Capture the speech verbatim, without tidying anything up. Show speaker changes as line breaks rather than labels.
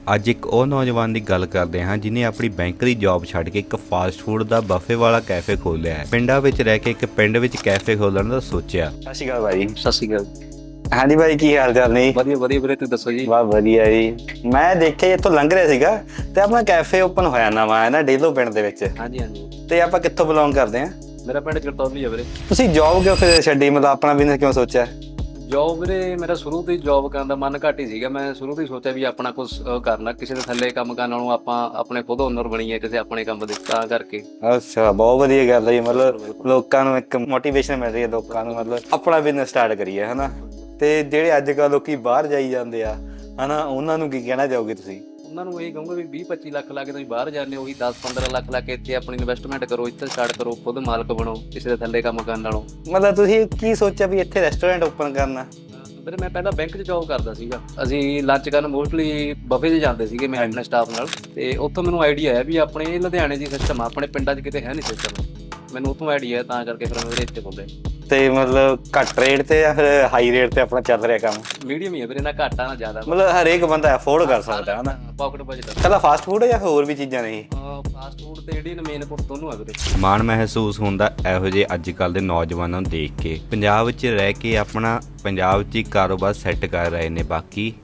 ਅੱਜ ਇੱਕ ਉਹ ਨੌਜਵਾਨ ਦੀ ਗੱਲ ਕਰਦੇ ਹਾਂ ਜਿਨੇ ਆਪਣੀ ਬੈਂਕ ਦੀ ਜੌਬ ਛੱਡ ਕੇ ਇੱਕ ਫਾਸਟ ਫੂਡ ਦਾ ਬਫੇ ਵਾਲਾ ਕੈਫੇ ਖੋਲ੍ਹਿਆ ਹੈ। ਪਿੰਡਾਂ ਵਿੱਚ ਰਹਿ ਕੇ ਇੱਕ ਪਿੰਡ ਵਿੱਚ ਕੈਫੇ ਖੋਲ੍ਹਣ ਦਾ ਸੋਚਿਆ।
ਸਤਿ ਸ਼੍ਰੀ ਅਕਾਲ ਭਾਈ।
ਸਤਿ ਸ਼੍ਰੀ ਅਕਾਲ।
ਹਾਂਜੀ ਭਾਈ, ਕੀ ਹਾਲ ਚਾਲ ਨੇ?
ਵਧੀਆ ਵਧੀਆ ਵੀਰੇ, ਤੁਸੀਂ ਦੱਸੋ ਜੀ?
ਵਾਹ ਵਧੀਆ ਜੀ। ਮੈਂ ਦੇਖਿਆ ਇੱਥੋਂ ਲੰਘ ਰਿਹਾ ਸੀਗਾ ਤੇ ਆਪਣਾ ਕੈਫੇ ਓਪਨ ਹੋਇਆ ਨਵਾਂ ਹੈ ਨਾ ਡੇਲੋ ਪਿੰਡ ਦੇ ਵਿੱਚ।
ਹਾਂਜੀ ਹਾਂਜੀ,
ਤੇ ਆਪਾਂ ਕਿੱਥੋਂ ਬਿਲੋਂਗ ਕਰਦੇ ਹਾਂ?
ਮੇਰਾ ਪਿੰਡ ਚਰਤੌਲੀ ਆ ਵੀਰੇ।
ਤੁਸੀਂ ਜੌਬ ਕਿਉਂ ਫਿਰ ਛੱਡੀ, ਮਤਲਬ ਆਪਣਾ ਬਿਜ਼ਨਸ ਕਿਉਂ ਸੋਚਿਆ?
ਜੌਬ ਵੀਰੇ ਮੇਰਾ ਸ਼ੁਰੂ ਤੋਂ ਹੀ ਜੌਬ ਕਰਨ ਦਾ ਮਨ ਘੱਟ ਹੀ ਸੀਗਾ। ਮੈਂ ਸ਼ੁਰੂ ਤੋਂ ਹੀ ਸੋਚਿਆ ਵੀ ਆਪਣਾ ਕੁਝ ਕਰਨਾ, ਕਿਸੇ ਦੇ ਥੱਲੇ ਕੰਮ ਕਰਨ ਨਾਲੋਂ ਆਪਾਂ ਆਪਣੇ ਖੁਦ ਓਨਰ ਬਣੀਏ ਕਿਸੇ ਆਪਣੇ ਕੰਮ ਦੇ, ਤਾਂ ਕਰਕੇ।
ਅੱਛਾ, ਬਹੁਤ ਵਧੀਆ ਗੱਲ ਹੈ ਜੀ। ਮਤਲਬ ਲੋਕਾਂ ਨੂੰ ਇੱਕ ਮੋਟੀਵੇਸ਼ਨ ਮਿਲ ਰਹੀ ਹੈ, ਲੋਕਾਂ ਨੂੰ ਮਤਲਬ ਆਪਣਾ ਬਿਜ਼ਨਸ ਸਟਾਰਟ ਕਰੀਏ, ਹਨਾ। ਤੇ ਜਿਹੜੇ ਅੱਜ ਕੱਲ੍ਹ ਲੋਕੀ ਬਾਹਰ ਜਾਈ ਜਾਂਦੇ ਆ ਹਨਾ, ਉਹਨਾਂ ਨੂੰ ਕੀ ਕਹਿਣਾ ਚਾਹੋਗੇ ਤੁਸੀਂ?
ਉਹਨਾਂ ਨੂੰ ਇਹ ਕਹੂੰਗਾ ਵੀ ਵੀਹ ਪੱਚੀ ਲੱਖ ਲਾ ਕੇ ਤੁਸੀਂ ਬਾਹਰ ਜਾਂਦੇ ਹੋ, ਉਹੀ ਦਸ ਪੰਦਰਾਂ ਲੱਖ ਲਾ ਕੇ ਇੱਥੇ ਆਪਣੀ ਇਨਵੈਸਟਮੈਂਟ ਕਰੋ, ਇੱਥੇ ਸਟਾਰਟ ਕਰੋ, ਖੁਦ ਮਾਲਕ ਬਣੋ ਕਿਸੇ ਦੇ ਥੱਲੇ ਕੰਮ ਕਰਨ ਨਾਲੋਂ।
ਮਤਲਬ ਤੁਸੀਂ ਕੀ ਸੋਚਿਆ ਵੀ ਇੱਥੇ ਰੈਸਟੋਰੈਂਟ ਓਪਨ ਕਰਨਾ?
ਵੀਰੇ ਮੈਂ ਪਹਿਲਾਂ ਬੈਂਕ 'ਚ ਜੌਬ ਕਰਦਾ ਸੀਗਾ। ਅਸੀਂ ਲੰਚ ਕਰਨ ਮੋਸਟਲੀ ਬਫੇ 'ਚ ਜਾਂਦੇ ਸੀਗੇ ਮੈਂ ਆਪਣੇ ਸਟਾਫ ਨਾਲ, ਤੇ ਉੱਥੋਂ ਮੈਨੂੰ ਆਈਡੀਆ ਆਇਆ ਵੀ ਆਪਣੇ ਲੁਧਿਆਣੇ ਦੀ ਸਿਸਟਮ ਆ, ਆਪਣੇ ਪਿੰਡਾਂ 'ਚ ਕਿਤੇ ਹੈ ਨਹੀਂ ਸਿਸਟਮ। ਮੈਨੂੰ ਉੱਥੋਂ ਆਈਡੀਆ, ਤਾਂ ਕਰਕੇ ਫਿਰ ਮੈਂ ਇੱਥੇ ਖੋਲ੍ਹਿਆ।
ਤੇ ਮਤਲਬ ਘੱਟ ਰੇਟ ਤੇ ਜਾਂ ਫਿਰ ਹਾਈ ਰੇਟ ਤੇ ਆਪਣਾ ਚੱਲ ਰਿਹਾ ਕੰਮ?
ਮੀਡੀਅਮ ਹੀ ਹੈ ਵੀਰੇ, ਨਾ ਘਾਟਾ ਨਾ ਜ਼ਿਆਦਾ।
ਮਤਲਬ ਹਰੇਕ ਬੰਦਾ ਅਫੋਰਡ ਕਰ ਸਕਦਾ ਹੈ ਨਾ।
Pocket budget.
ਕੱਲਾ ਫਾਸਟ ਫੂਡ ਜਾਂ ਹੋਰ ਵੀ ਚੀਜ਼ਾਂ ਨੇ?
ਫਾਸਟ ਫੂਡ ਤੇ ਇੰਡੀਅਨ ਮੇਨ ਕੋਰਸ ਦੋਨੋਂ ਆ ਵੀਰੇ।
ਮਾਣ ਮਹਿਸੂਸ ਹੁੰਦਾ ਇਹੋ ਜਿਹੇ ਅੱਜ ਕੱਲ੍ਹ ਦੇ ਨੌਜਵਾਨਾਂ ਨੂੰ ਦੇਖ ਕੇ। ਪੰਜਾਬ ਵਿੱਚ ਰਹਿ ਕੇ ਆਪਣਾ ਪੰਜਾਬ 'ਚ ਹੀ ਕਾਰੋਬਾਰ ਸੈੱਟ ਕਰ ਰਹੇ ਨੇ। ਬਾਕੀ